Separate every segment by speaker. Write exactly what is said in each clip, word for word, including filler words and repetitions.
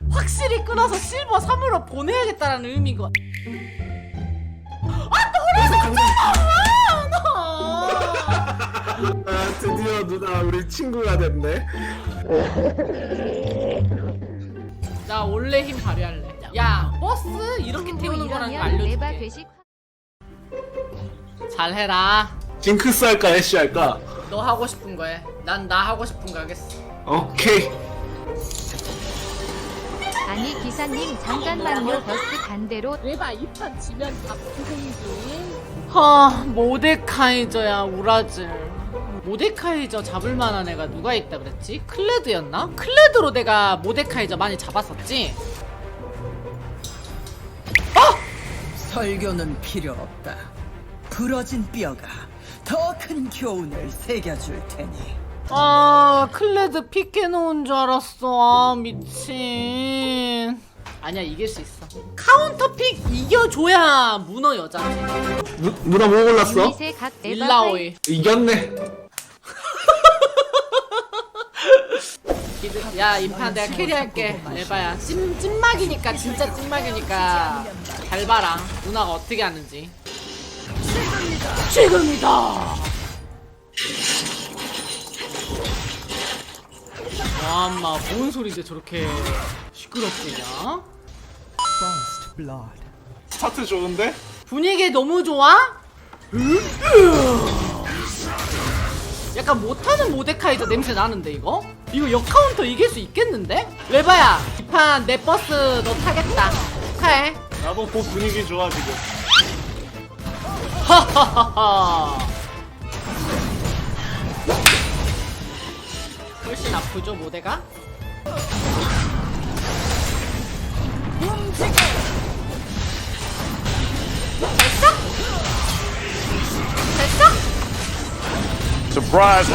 Speaker 1: 확실히 끊어서 실버 삼으로 보내야겠다라는 의미가. 아 떨어졌잖아 너.
Speaker 2: 아, 드디어 누나 우리 친구가 됐네.
Speaker 1: 나 원래 힘 발휘할래. 야 버스 이렇게 태우는 거라는 거 알려줄게. 잘해라.
Speaker 2: 징크스 할까 애쉬 할까?
Speaker 1: 너 하고 싶은 거 해. 난 나 하고 싶은 거 하겠어.
Speaker 2: 오케이.
Speaker 3: 아니 기사님 잠깐만요. 버스 반대로.
Speaker 4: 레바 이 판 지면 다 고생이지.
Speaker 1: 하 모데카이저야 우라질. 모데카이저 잡을 만한 애가 누가 있다 그랬지? 클레드였나? 클레드로 내가 모데카이저 많이 잡았었지?
Speaker 5: 설교는 필요 없다. 부러진 뼈가 더 큰 교훈을 새겨줄 테니.
Speaker 1: 아 클레드 픽해놓은 줄 알았어. 아 미친. 아니야 이길 수 있어. 카운터 픽 이겨줘야 문어 여자지.
Speaker 2: 누, 누나 뭐 골랐어?
Speaker 3: 이세 각 에바
Speaker 1: 일라오이.
Speaker 2: 이겼네.
Speaker 1: 기드- 야 인파 내가 캐리할게. 에바야 찐, 찐막이니까 진짜 찐막이니까 잘 봐라 누나가 어떻게 하는지. 지금이다. 와 엄마 뭔 소리인데 저렇게 시끄럽지냐?
Speaker 2: 스타트 좋은데?
Speaker 1: 분위기 너무 좋아? 약간 못하는 모데카이저 냄새 나는데 이거? 이거 역카운터 이길 수 있겠는데? 레바야 이 판 내 버스 너 타겠다. 축하해.
Speaker 2: 나도 그 분위기 좋아 지금.
Speaker 1: 하하하하. 훨씬 아프죠 모데가? 됐어? 됐어?
Speaker 2: Surprise.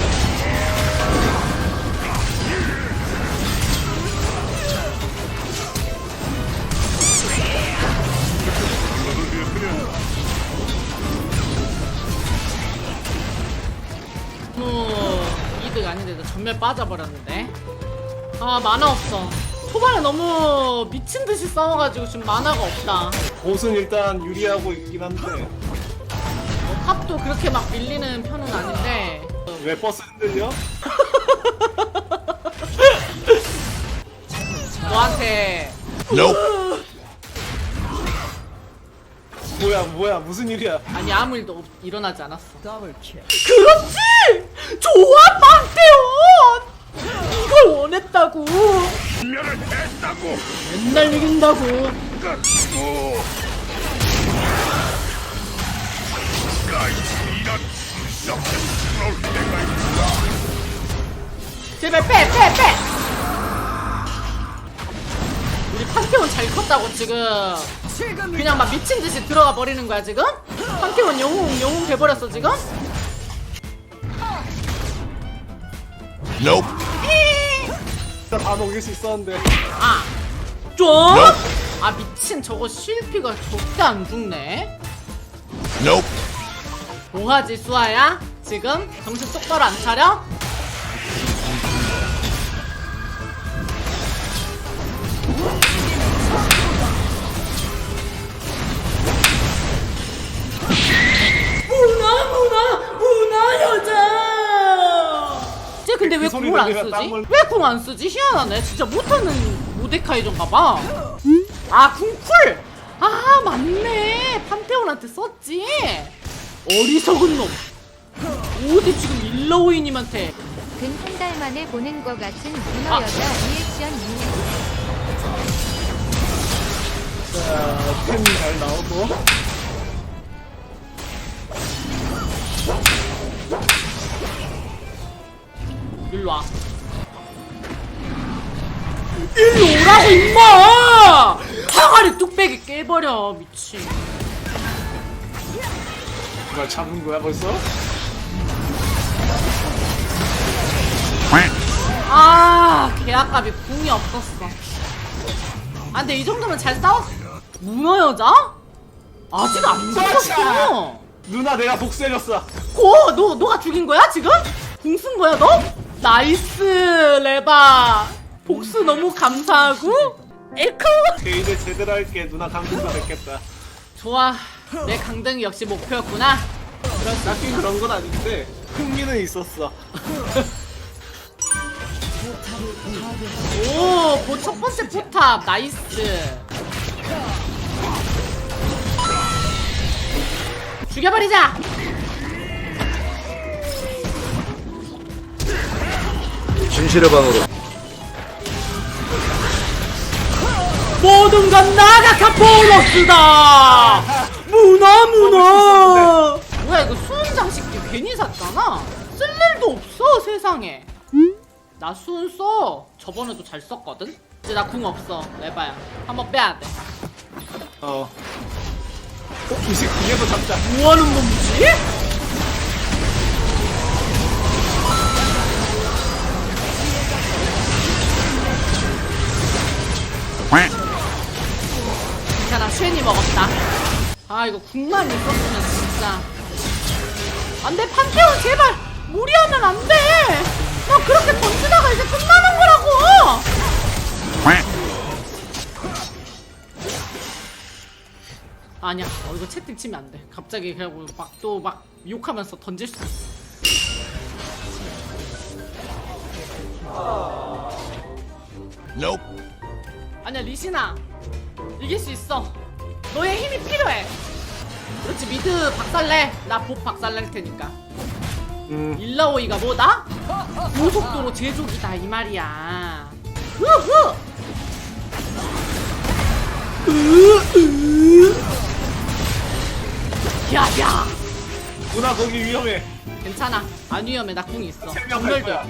Speaker 1: 뭐 이득 아닌데도 전멸 빠져버렸는데. 아 만화 없어. 초반에 너무 미친듯이 싸워가지고 지금 만화가 없다.
Speaker 2: 보스는 일단 유리하고 있긴 한데
Speaker 1: 뭐 탑도 그렇게 막 밀리는 편은 아닌데.
Speaker 2: 왜 버스 흔들려?
Speaker 1: 너한테
Speaker 2: 뭐야 뭐야 무슨 일이야?
Speaker 1: 아니 아무 일도 없, 일어나지 않았어.
Speaker 5: 더블킬.
Speaker 1: 그렇지! 좋아 판테온! 이걸 원했다고. 맨날 이긴다고. 제발 빼 빼 빼! 우리 판테온 잘 컸다고 지금. 그냥 막 미친듯이 들어가 버리는 거야 지금? 판테온 영웅 영웅 돼버렸어 지금?
Speaker 2: Nope. 다 녹일 수 있었는데.
Speaker 1: 아 좀? 아 미친 저거 실피가 절대 안 죽네.
Speaker 2: Nope.
Speaker 1: 뭐하지 수아야? 지금? 정신 똑바로 안 차려? 문화 문화 문화 여자. 쟤 근데 왜
Speaker 2: 그 소리
Speaker 1: 궁을 안
Speaker 2: 들리면
Speaker 1: 쓰지?
Speaker 2: 땀을-
Speaker 1: 왜 궁 안 쓰지? 희한하네. 진짜 못하는 모데카이저인가봐. 아 궁쿨. 아 맞네. 판테온한테 썼지. 어리석은 놈. 어디 지금 일러오이님한테.
Speaker 3: 근 한 달 만에 보는 거 같은 문어
Speaker 1: 아.
Speaker 3: 여자 리액션 유.
Speaker 2: 자, 템 잘 나오고.
Speaker 1: 일로와. 일로 오라고 임마! 항아리 뚝배기 깨버려 미친.
Speaker 2: 그걸 잡은 거야 벌써?
Speaker 1: 아 개아깝이 궁이 없었어. 아 근데 이 정도면 잘 싸웠어. 문어 여자? 아직 안 죽었어.
Speaker 2: 누나 내가 복수해줬어.
Speaker 1: 고! 너, 너가 죽인 거야 지금? 궁 쓴 거야 너? 나이스 레바. 복수 너무 감사하고. 에코.
Speaker 2: 오케이, 이제 제대로 할게. 누나 강등도 됐겠다.
Speaker 1: 좋아. 내 강등이 역시 목표였구나.
Speaker 2: 딱히 그런 건 아닌데 흥미는 있었어.
Speaker 1: 오, 보 첫 번째 포탑 나이스. 죽여버리자.
Speaker 6: 진실의 방으로.
Speaker 1: 모든 건 나가 카포로스다. 문어 문어. 뭐야 이거 수은 장식기 괜히 샀잖아. 쓸 일도 없어 세상에. 나 수은 써. 저번에도 잘 썼거든. 이제 나 궁 없어. 레바야 한번 빼야 돼.
Speaker 2: 어. 어, 이제 그게도 잡자.
Speaker 1: 뭐하는 놈이지? 괜찮아, 쉐니 먹었다. 아 이거 국만 있었으면 진짜. 안돼 판테온 제발 무리하면 안돼. 나 그렇게 던지다가 이제 끝나는 거라고. 아니야, 어, 이거 채팅 치면 안 돼. 갑자기 그냥 막 또 막 욕하면서 던질 수 있어.
Speaker 2: Nope.
Speaker 1: 아니야 리신아, 이길 수 있어. 너의 힘이 필요해. 그렇지, 미드 박살내. 나 복 박살낼 테니까.
Speaker 2: 음.
Speaker 1: 일라오이가 뭐다? 고속도로 제조기다 이 말이야. 우후. 야야.
Speaker 2: 누나 거기 위험해.
Speaker 1: 괜찮아, 안 위험해. 나 궁이 있어.
Speaker 2: 생명할
Speaker 1: 전멸도.
Speaker 2: 거야.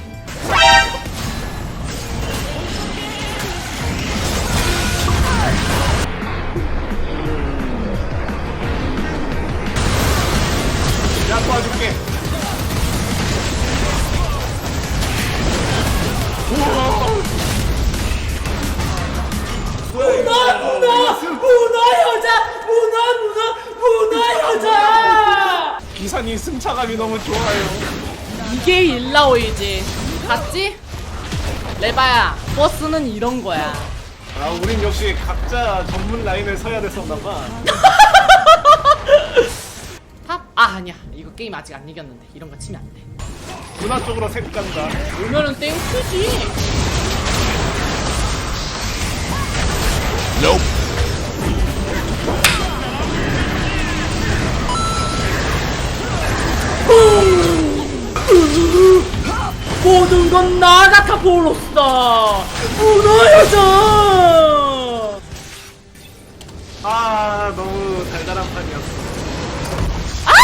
Speaker 2: 야 도와줄게.
Speaker 1: 문어 문어 문어 여자 문어 문어 문어 여자.
Speaker 2: 기사님 승차감이 너무 좋아요.
Speaker 1: 이게 일라오이지. 봤지? 레바야, 버스는 이런 거야.
Speaker 2: 아, 우린 역시 각자 전문 라인을 서야 됐었나봐.
Speaker 1: 탑? 아 아니야, 이거 게임 아직 안 이겼는데 이런 거 치면 안 돼.
Speaker 2: 누나 쪽으로 색 간다.
Speaker 1: 오면은 땡큐지. 모든 건 나 같아 보였어. 무너여져.
Speaker 2: 아, 너무 달달한 판이었어.
Speaker 1: 아!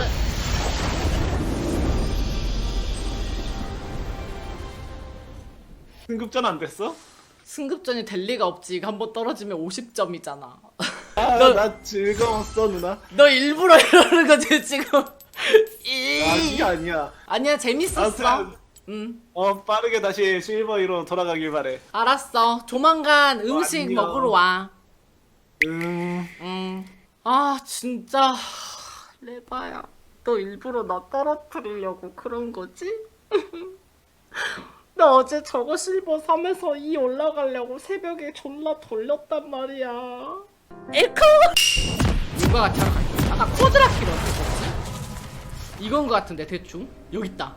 Speaker 2: 승급전 안 됐어?
Speaker 1: 승급전이 될 리가 없지. 이거 한번 떨어지면 오십 점이잖아.
Speaker 2: 아,
Speaker 1: 너-
Speaker 2: 나 즐거웠어, 누나.
Speaker 1: 너 일부러 이러는 거지 지금. 이-
Speaker 2: 아, 이게 아니야.
Speaker 1: 아니야, 재밌었어.
Speaker 2: 아무튼,
Speaker 1: 응.
Speaker 2: 어, 빠르게 다시 실버이로 돌아가길 바래.
Speaker 1: 알았어. 조만간 음식
Speaker 2: 안녕.
Speaker 1: 먹으러 와.
Speaker 2: 음,
Speaker 1: 응. 아 진짜 레바야, 너 일부러 나 떨어뜨리려고 그런 거지? 나 어제 저거 실버 삼에서 이 올라가려고 새벽에 존나 돌렸단 말이야. 에코! 누가 같이 하러 갈게. 아까 코드라키를 어떻게 썼지? 이건 거 같은데 대충? 여기 있다.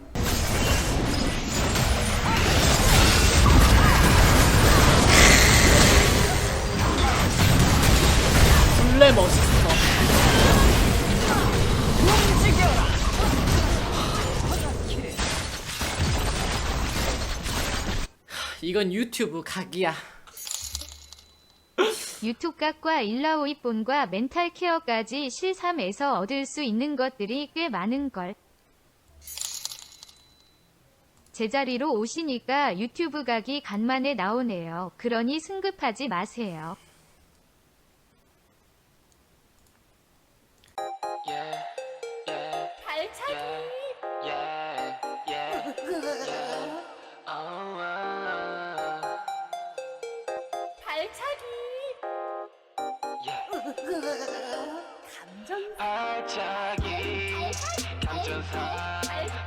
Speaker 1: 원래 멋있어. 이건 유튜브 각이야.
Speaker 3: 유튜브 각과 일라오이 본과 멘탈 케어까지 실삼에서 얻을 수 있는 것들이 꽤 많은걸. 제자리로 오시니까 유튜브 각이 간만에 나오네요. 그러니 승급하지 마세요.
Speaker 1: 발차기. 발차기. 감정.
Speaker 7: 발차기 감전사